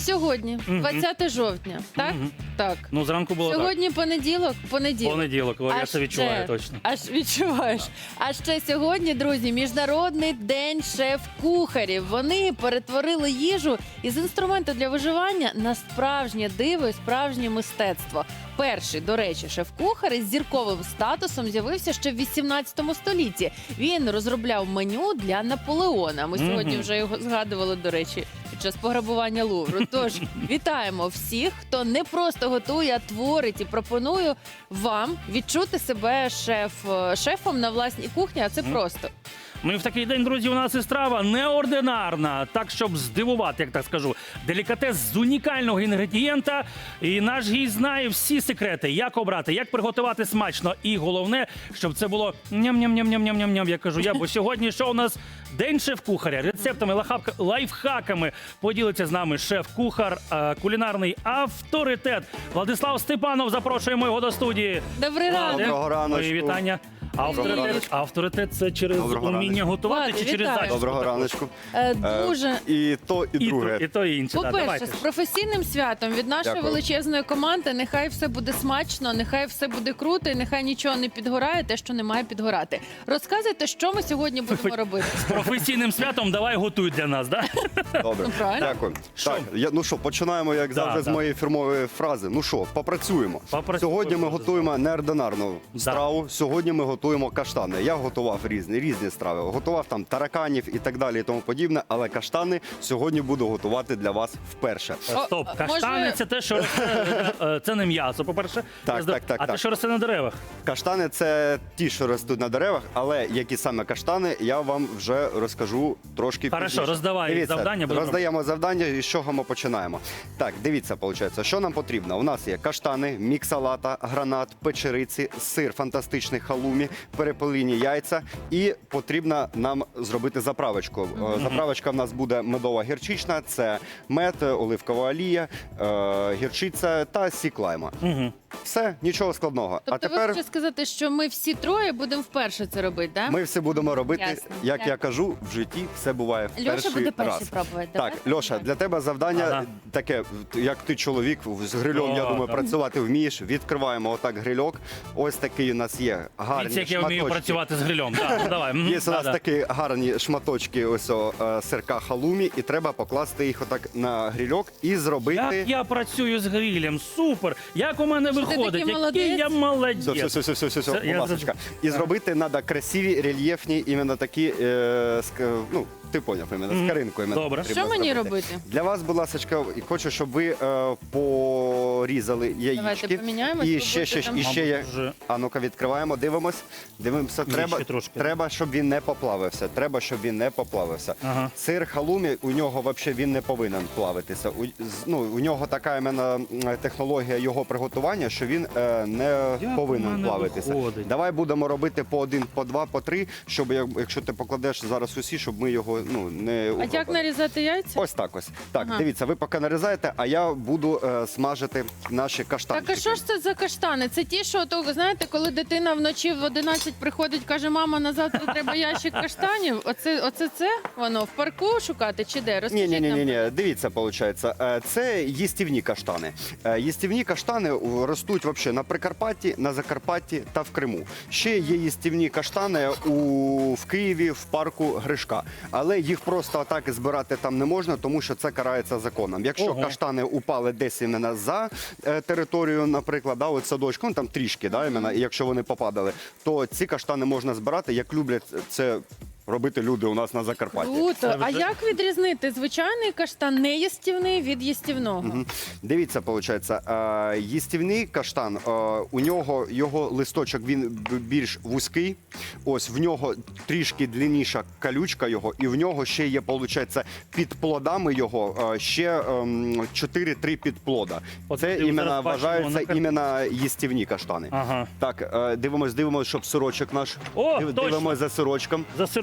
Сьогодні, 20 жовтня, так? Так. Ну, зранку було Сьогодні понеділок? Понеділок. Понеділок, я це відчуваю точно. Аж відчуваєш. А ще сьогодні, друзі, Міжнародний день шеф-кухарів. Вони перетворили їжу із інструменту для виживання на справжнє диво і справжнє мистецтво. Перший, до речі, шеф-кухар із зірковим статусом з'явився ще в 18 столітті. Він розробляв меню для Наполеона. Ми сьогодні вже його згадували, до речі, під час пограбування Лувру. Тож, вітаємо всіх, хто не просто готує, а творить. І пропоную вам відчути себе шефом на власній кухні, а це просто. Ну і в такий день, друзі, у нас і страва неординарна, так, щоб здивувати, як так скажу. Делікатес з унікального інгредієнта. І наш гість знає всі секрети, як обрати, як приготувати смачно. І головне, щоб це було ням-ням-ням-ням-ням-ням, я кажу я. Бо сьогодні що у нас День шеф-кухаря. Рецептами, лайфхаками поділиться з нами шеф-кухар, кулінарний авторитет. Владислав Степанов, запрошуємо його до студії. Добрий ранок. Доброго раночку. Мої вітання. Авторитет це через уміння готувати чи через Вітаю. зачіску? Доброго раночку. Дуже. І то, і друге. І то, і інше. Да, По-перше, давайте. з професійним святом від нашої Дякую. величезної команди. Нехай все буде смачно, нехай все буде круто, і нехай нічого не підгорає, те, що не має підгорати. Розказуйте, що ми сьогодні будемо робити. З професійним святом давай готуй для нас, да? Добре, Ну, правильно. дякую. Що? Так, ну що, починаємо, як завжди, з моєї фірмової фрази. Ну що, попрацюємо. Сьогодні ми готуємо неординарну страву. Сьогодні ми готуємо каштани. Я готував різні страви. Готував там тараканів і так далі, і тому подібне. Але каштани сьогодні буду готувати для вас вперше. Стоп, О, каштани може- це те, що росте, це не м'ясо, по-перше. Так, так. А те, що росте на деревах. Каштани це ті, що ростуть на деревах, але які саме каштани, я вам вже розкажу трошки Хорошо, пізніше. роздавай Дивіться, завдання, будемо роздаємо завдання, і з чого ми починаємо. Так, дивіться, виходить, що нам потрібно. У нас є каштани, міксалата, гранат, печериці, сир фантастичний халумі, перепелині яйця і потрібно нам зробити заправочку. Заправочка в нас буде медово-гірчична, це мед, оливкова олія, гірчиця та сік лайма. Все, нічого складного. Тобто А ви тепер хочете сказати, що ми всі троє будемо вперше це робити, так? ми все будемо робити, Ясно, як ясно. я кажу, в житті все буває в Льоша перший буде перший раз. пробувати, Так, давай? Льоша, для тебе завдання Ага. таке, як ти чоловік, з грильом, я думаю, так. працювати вмієш. Відкриваємо отак грильок. Ось такий у нас є гарні Дивіться, як я вмію шматочки. працювати з грилем. Да, ну, давай. Є у нас такі гарні шматочки ось сирка халумі, і треба покласти їх отак на грильок і зробити... Як я працюю з грилем, супер! Як у мене виходить, такий який я молодець. Все, Це будь я ласочка. І зробити треба красиві, рельєфні, іменно такі, ну, ти поняв, іменно, з каринкою. іменно Добре. потрібно Що мені зробити. робити? Для вас, будь ласка, хочу, щоб ви порізали яєчки. поміняємось, І ви ще будете там- є. Мабуть, вже. А ну-ка, відкриваємо, дивимося. ще трошки. Треба, щоб він не поплавився. Ага. Сир халумі, у нього взагалі він не повинен плавитися. У нього така іменно технологія його приготування, що він не Як у повинен мене плавитися. виходить? Давай будемо робити по один, по два, по три, щоб якщо ти покладеш зараз усі, щоб ми його не А як угробили. нарізати яйця? Ось так ось. Так, Ага. дивіться, ви поки нарізаєте, а я буду смажити наші каштанчики. Так, а що ж це за каштани? Це ті, що, знаєте, коли дитина вночі в 11 приходить, каже, мама, на завтра треба ящик каштанів. Оце це воно в парку шукати чи де? Розкажіть нам. Ні. Dивіться, виходить. Це їстівні каштани. Їстівні каштани ростуть взагалі на Прикарпатті, на Закарпатті та в Криму. Ще є їстівні каштани в Києві, в парку Гришка. Але їх просто так збирати там не можна, тому що це карається законом. Якщо Ого. каштани упали десь іменно за територію, наприклад, да, от садочку, ну там трішки, да, іменно, і якщо вони попадали, то ці каштани можна збирати, як люблять це робити люди у нас на Закарпатті. Круто. А як відрізнити звичайний каштан неїстівний від їстівного? Дивіться, виходить, їстівний каштан, у нього його листочок він більш вузький, ось в нього трішки длинніша колючка його, і в нього ще є, виходить, під плодами його ще 4-3 підплода. От Це ти іменно зараз бачимо вважаються на іменно їстівні каштани. Ага. Так, дивимось, щоб сирочок наш. О, точно. Дивимось за сирочком. За сирочком.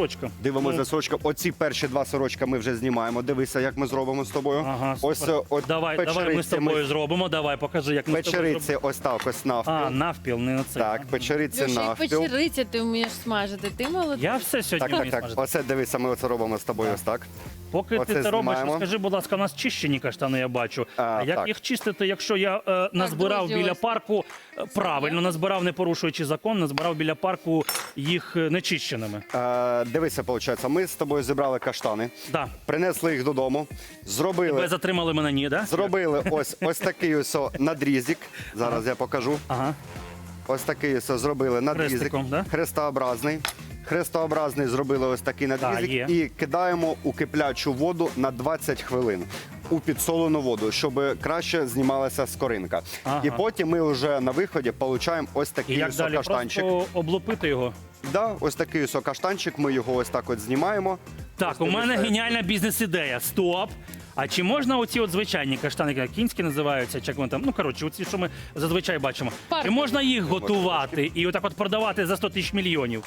сирочка. Дивимося Ну, за сирочком. Оці перші два сирочка ми вже знімаємо. Дивися, як ми зробимо з тобою. Ага, Ось супер. от Давай ми з печериці тобою зробимо. Давай, покажи, як ми з тобою Печериці зробимо. ось так ось навпіл. А, навпіл, не на це. Так, печериці Льоша, і навпіл. печериця ти вмієш смажити. Ти молодець. Я все сьогодні Так, так, вмію так. смажити. Оце дивися, ми оце робимо з тобою ось так. Поки Оце ти це робиш, знімаємо. скажи, будь ласка, у нас чищені каштани, я бачу. А як так. їх чистити, якщо я назбирав друзі, біля ось. парку, правильно назбирав, не порушуючи закон, назбирав біля парку їх нечищеними? Дивися, виходить, ми з тобою зібрали каштани, Да. принесли їх додому, Ви зробили затримали мене, ні, да? ось такий ось надрізик. Зараз я покажу. Ага. Ось такий ось зробили надрізик. Хрестиком, да? Хрестообразний. Хрестообразний зробили ось такий надрізик є. і кидаємо у киплячу воду на 20 хвилин. У підсолену воду, щоб краще знімалася скоринка. Ага. І потім ми вже на виході отримуємо ось І такий як ось далі? каштанчик. Просто облупити його? Да, ось такий ось каштанчик, ми його ось так от знімаємо. Так, Ось у мене дивіться. геніальна бізнес-ідея. Стоп! А чи можна оці от звичайні каштани, як кінські називаються, чи як вони там, ну коротше, оці, що ми зазвичай бачимо, Парки. чи можна їх готувати і отак от продавати за 100 тисяч мільйонів?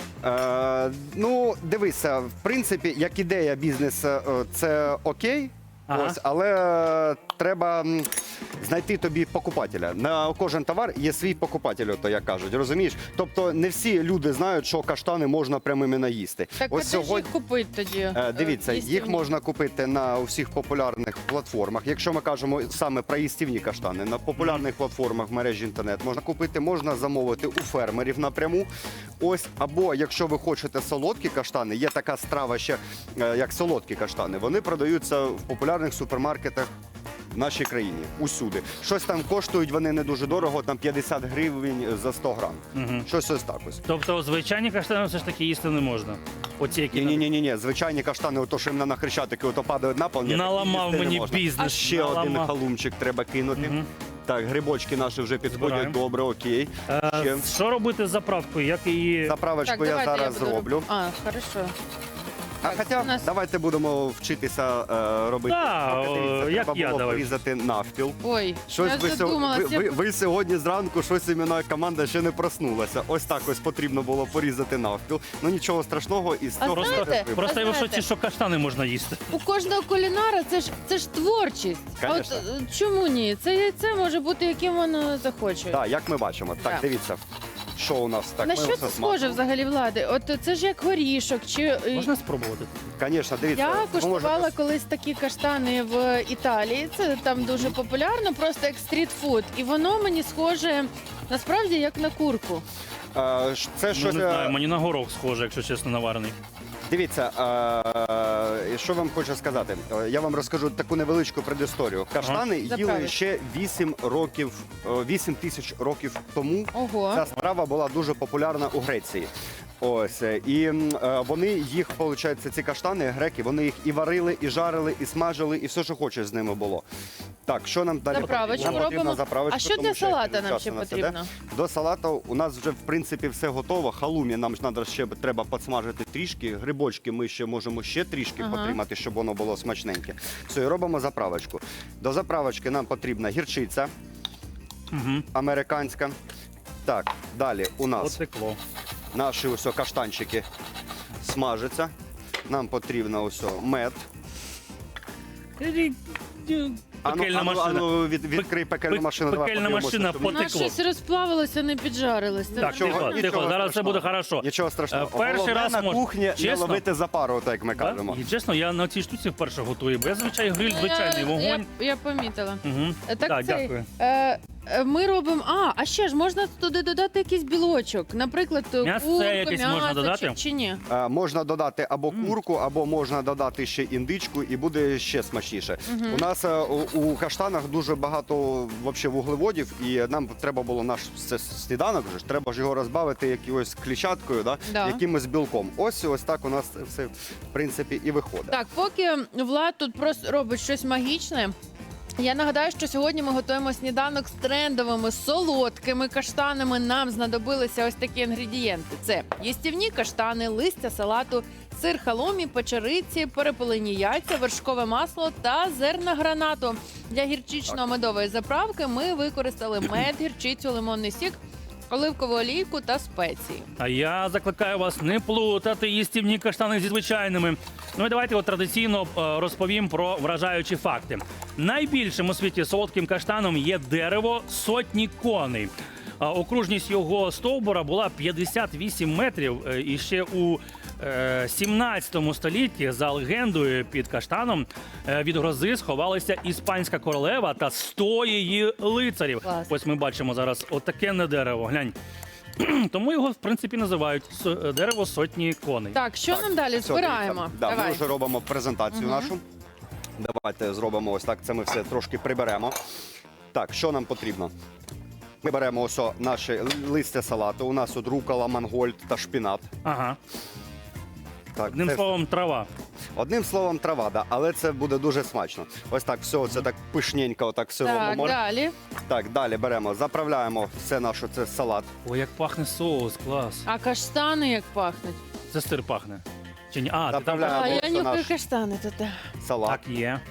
Ну, дивися, в принципі, як ідея бізнесу, це окей. Ага. Ось, але треба знайти тобі покупателя. На кожен товар є свій покупатель, то як кажуть, розумієш? Тобто не всі люди знають, що каштани можна прямими наїсти. Так, а де ж їх купити тоді? Дивіться, їх Їстівні? можна купити на всіх популярних платформах. Якщо ми кажемо саме про їстівні каштани, на популярних платформах в мережі інтернет можна купити, можна замовити у фермерів напряму. Ось, або якщо ви хочете солодкі каштани, є така страва ще, як солодкі каштани. Вони продаються в популярних супермаркетах в нашій країні усюди. Щось там коштують вони не дуже дорого, там 50 гривень за 100 грам. Щось ось так ось. Тобто звичайні каштани все ж таки їсти не можна. Оці, які Ні, звичайні каштани, ото що їм на хрещатики, ото падають на пол. ні, наламав їсти не мені можна. бізнес. А ще один наламав. халумчик треба кинути. Так, грибочки наші вже підходять Збираємо. добре, окей. Ще Що робити з заправкою? Як її... заправочку я давайте зараз буду зроблю. А, хорошо. А хоча у нас- давайте будемо вчитися робити. Да, Поки, дивіться, як треба я, було давай. порізати навпіл. Ой, Щось я ви, задумалась. ви сьогодні зранку, щось іменно команда ще не проснулася. Ось так ось потрібно було порізати навпіл. Ну нічого страшного, із А цього знаєте, вже вибрали. Просто я в знаєте- шоці, що каштани можна їсти. У кожного кулінара це ж творчість. А от Конечно. чому ні? Це яйце може бути яким воно захоче. Так, як ми бачимо. Так, Так. дивіться, що у нас так. На ми що все це смажимо. схоже взагалі, Влади? От це ж як горішок. Чи Можна спробувати? Звісно, дивіться. я ви куштувала можете- колись такі каштани в Італії. Це там дуже популярно, просто як стрітфуд. І воно мені схоже насправді як на курку. Це Ну, щось. не знаю, мені на горох схоже, якщо чесно, наварений. Дивіться, що вам хочу сказати. Я вам розкажу таку невеличку предісторію. Каштани їли Заправиш. ще 8 тисяч років тому. Ого. Ця страва була дуже популярна у Греції. Ось і вони їх, виходить, ці каштани, греки, вони їх і варили, і жарили, і смажили, і все, що хочеш з ними було. Так, що нам далі Заправочку потрібно? Нам потрібна робимо. заправочка, А що тому для що салата часу нам ще у нас потрібно? іде. До салату у нас вже в принципі все готово. Халумі нам ж надо ще треба підсмажити трішки. Грибочки ми ще можемо ще трішки Ага. потримати, щоб воно було смачненьке. Все, і робимо заправочку. До заправочки нам потрібна гірчиця Угу. американська. Так, далі у нас Потекло. наші ось каштанчики смажаться. Нам потрібно ось мед. Пекельна машина. Відкрий пекельну машину. давай Пекельна подивимося, машина що У нас потекло. щось розплавилося, не піджарилося. Так, Нічого- тихо, нічого тихо, зараз все страшного. буде хорошо. Нічого страшного. Перший Головне раз на можна. кухні не Чесно? ловити за пару, так як ми кажемо. І чесно, я на цій штуці вперше готую, бо я звичайно гриль звичайний вогонь. Я помітила. Угу. Так, цей, дякую. ми робимо. А ще ж можна туди додати якийсь білочок. Наприклад, М'ясце курку, якесь можна м'ясо додати? чи ні? Можна додати або курку, або можна додати ще індичку, і буде ще смачніше. У нас у каштанах дуже багато вообще вуглеводів, і нам треба було наш сніданок, вже ж, треба ж його розбавити якоюсь клітчаткою, Да. якимось білком. Ось так у нас це все в принципі і виходить. Так, поки Влад тут просто робить щось магічне. Я нагадаю, що сьогодні ми готуємо сніданок з трендовими солодкими каштанами. Нам знадобилися ось такі інгредієнти: це їстівні каштани, листя салату, сир халумі, печериці, перепелині яйця, вершкове масло та зерна гранату. Для гірчично-медової заправки ми використали мед, гірчицю, лимонний сік оливкову олійку та спеції. А я закликаю вас не плутати їстівні каштани зі звичайними. Ну і давайте традиційно розповім про вражаючі факти. Найбільшим у світі солодким каштаном є дерево сотні коней. Окружність його стовбура була 58 метрів. І ще у 17 столітті, за легендою, під каштаном від грози сховалися іспанська королева та 100 її лицарів. Клас. Ось ми бачимо зараз отаке дерево. Глянь. Тому його, в принципі, називають дерево сотні коней. Так, що нам далі? Все, Збираємо. дивіться. Да, ми Давай. вже робимо презентацію нашу. Давайте зробимо ось так. Це ми все трошки приберемо. Так, що нам потрібно? Ми беремо ось наші листя салату. У нас тут рукола, мангольд та шпінат. Ага. Так, Одним це- словом, трава. Одним словом, трава, да, але це буде дуже смачно. Ось так, все, це так пишненько, отак все Так, робимо. далі. Так, далі беремо, заправляємо все наше, це салат. Ой, як пахне соус, клас. А каштани як пахнуть? Це сир пахне. Чи ні? А, ти там Заправляємо. А, я це нюхаю наш каштани тут. салат. так є.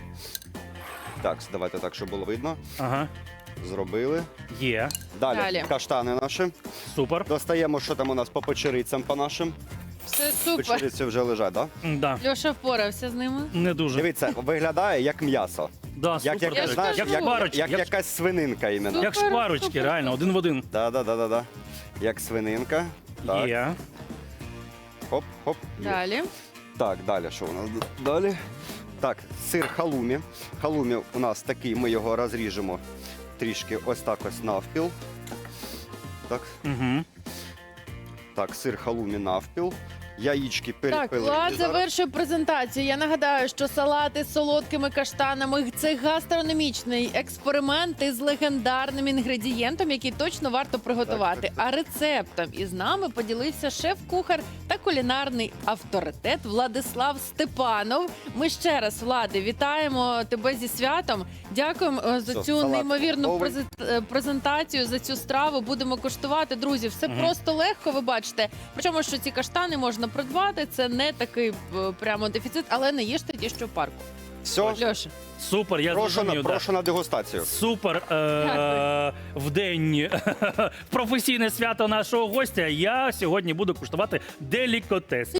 Так, давайте так, щоб було видно. Ага. Зробили. Є. Далі, Далі. каштани наші. Супер. Достаємо, що там у нас по печерицям по нашим. Все супер. Печериці вже лежать, так? Да? Да. Льоша впорався з ними. Не дуже. Дивіться, виглядає як м'ясо. Да, Як, супер. Я ж знаєш, кажу. як, Шкварочки, як як- якась свининка іменно. Як Супер, шкварочки, супер, реально, супер. один в один. Да. Як свининка. Так, Є. хоп, хоп. є. Далі. Так, далі, що у нас далі? Так, сир халумі. Халумі у нас такий, ми його розріжемо трішки ось так ось навпіл. Так, Угу. так, сир халумі навпіл. Яєчки Так, перепилені. Влад зараз. завершує презентацію. Я нагадаю, що салати з солодкими каштанами – це гастрономічний експеримент із легендарним інгредієнтом, який точно варто приготувати. Так. А рецептом із нами поділився шеф-кухар та кулінарний авторитет Владислав Степанов. Ми ще раз, Влади, вітаємо тебе зі святом. Дякуємо за Все, цю салат неймовірну готовий. презентацію, за цю страву. Будемо куштувати. Друзі, все просто легко, ви бачите. Причому, що ці каштани можна придбати, це не такий прямо дефіцит, але не їжте ті, що в парку. Все, Льоша. Супер, я зрозумів. Да. прошу на дегустацію. Супер в день професійне свято нашого гостя. Я сьогодні буду куштувати делікатес.